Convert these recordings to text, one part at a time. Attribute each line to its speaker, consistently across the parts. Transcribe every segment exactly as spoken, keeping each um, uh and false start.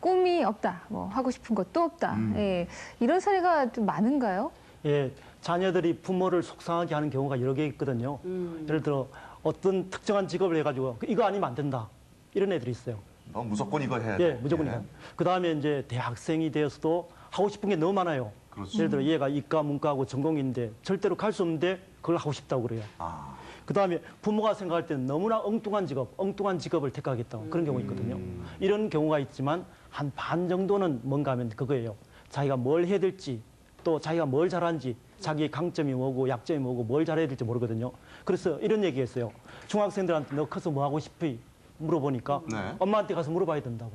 Speaker 1: 꿈이 없다, 뭐 하고 싶은 것도 없다.
Speaker 2: 음.
Speaker 1: 예, 이런 사례가 좀 많은가요?
Speaker 3: 예, 자녀들이 부모를 속상하게 하는 경우가 여러 개 있거든요.
Speaker 2: 음.
Speaker 3: 예를 들어 어떤 특정한 직업을 해가지고 이거 아니면 안 된다. 이런 애들이 있어요.
Speaker 2: 어, 무조건 이거 해야 돼.
Speaker 3: 예, 무조건 이거. 그 다음에 이제 대학생이 되어서도 하고 싶은 게 너무 많아요.
Speaker 2: 그렇죠.
Speaker 3: 예를 들어 얘가 이과, 문과하고 전공인데 절대로 갈 수 없는데 그걸 하고 싶다고 그래요.
Speaker 2: 아.
Speaker 3: 그 다음에 부모가 생각할 때는 너무나 엉뚱한 직업, 엉뚱한 직업을 택하겠다고 그런 경우 있거든요. 이런 경우가 있지만 한 반 정도는 뭔가 하면 그거예요. 자기가 뭘 해야 될지 또 자기가 뭘 잘하는지 자기의 강점이 뭐고 약점이 뭐고 뭘 잘해야 될지 모르거든요. 그래서 이런 얘기했어요. 중학생들한테 너 커서 뭐 하고 싶이? 물어보니까
Speaker 2: 네.
Speaker 3: 엄마한테 가서 물어봐야 된다고.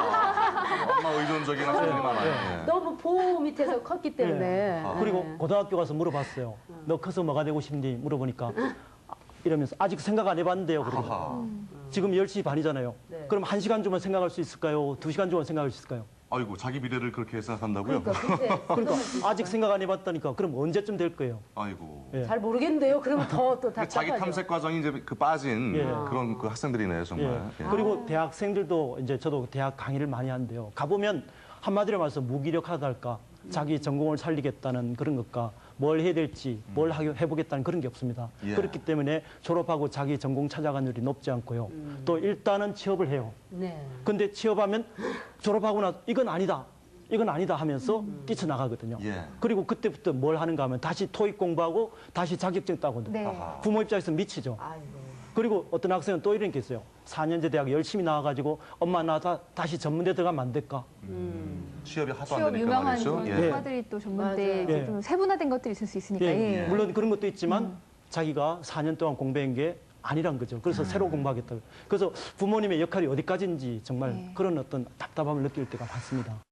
Speaker 2: 아하. 엄마 의존적인 학생이 많아요. 예.
Speaker 4: 너무 보호 밑에서 컸기 때문에.
Speaker 2: 아.
Speaker 3: 그리고 고등학교 가서 물어봤어요. 너 커서 뭐가 되고 싶니? 물어보니까 이러면서 아직 생각 안 해봤는데요. 그러고
Speaker 2: 하하.
Speaker 3: 지금 열 시 반이잖아요.
Speaker 4: 네.
Speaker 3: 그럼 한 시간 주면 생각할 수 있을까요? 두 시간 주면 생각할 수 있을까요?
Speaker 2: 아이고, 자기 미래를 그렇게 생각한다고요?
Speaker 4: 그러니까 그때
Speaker 3: 그러니까 아직 생각 안 해봤다니까. 그럼 언제쯤 될 거예요?
Speaker 2: 아이고.
Speaker 3: 예.
Speaker 4: 잘 모르겠는데요. 그러면 더 또
Speaker 2: 그 자기
Speaker 4: 답답하죠.
Speaker 2: 탐색 과정이 이제 그 빠진
Speaker 3: 예.
Speaker 2: 그런 그 학생들이네요, 정말.
Speaker 3: 예.
Speaker 2: 예.
Speaker 3: 그리고 대학생들도 이제 저도 대학 강의를 많이 하는데요. 가보면 한마디로 말해서 무기력하달까, 자기 전공을 살리겠다는 그런 것과 뭘 해야 될지, 뭘 하기- 해보겠다는 그런 게 없습니다.
Speaker 2: 예.
Speaker 3: 그렇기 때문에 졸업하고 자기 전공 찾아가는 일이 높지 않고요. 또 일단은 취업을 해요.
Speaker 4: 네.
Speaker 3: 근데 취업하면 졸업하고 나 이건 아니다. 이건 아니다 하면서 뛰쳐나가거든요.
Speaker 2: 예.
Speaker 3: 그리고 그때부터 뭘 하는가 하면 다시 토익 공부하고 다시 자격증 따고
Speaker 1: 네.
Speaker 2: 아하.
Speaker 3: 부모 입장에서 미치죠.
Speaker 4: 아이고.
Speaker 3: 그리고 어떤 학생은 또 이런 게 있어요. 사 년제 대학 열심히 나와가지고 엄마 나 다, 다시 전문대 들어가면 안 될까?
Speaker 2: 취업이 하도 안
Speaker 1: 취업
Speaker 2: 되니까
Speaker 1: 유명한
Speaker 2: 말이죠.
Speaker 1: 그런
Speaker 2: 예.
Speaker 1: 학과들이 또 전문대
Speaker 4: 맞아요.
Speaker 1: 이제
Speaker 3: 예.
Speaker 1: 좀 세분화된 것들이 있을 수 있으니까.
Speaker 3: 예,
Speaker 1: 예.
Speaker 3: 물론 그런 것도 있지만 자기가 사 년 동안 공부한 게 아니란 거죠. 그래서 새로 공부하겠다. 그래서 부모님의 역할이 어디까지인지 정말
Speaker 1: 예.
Speaker 3: 그런 어떤 답답함을 느낄 때가 많습니다.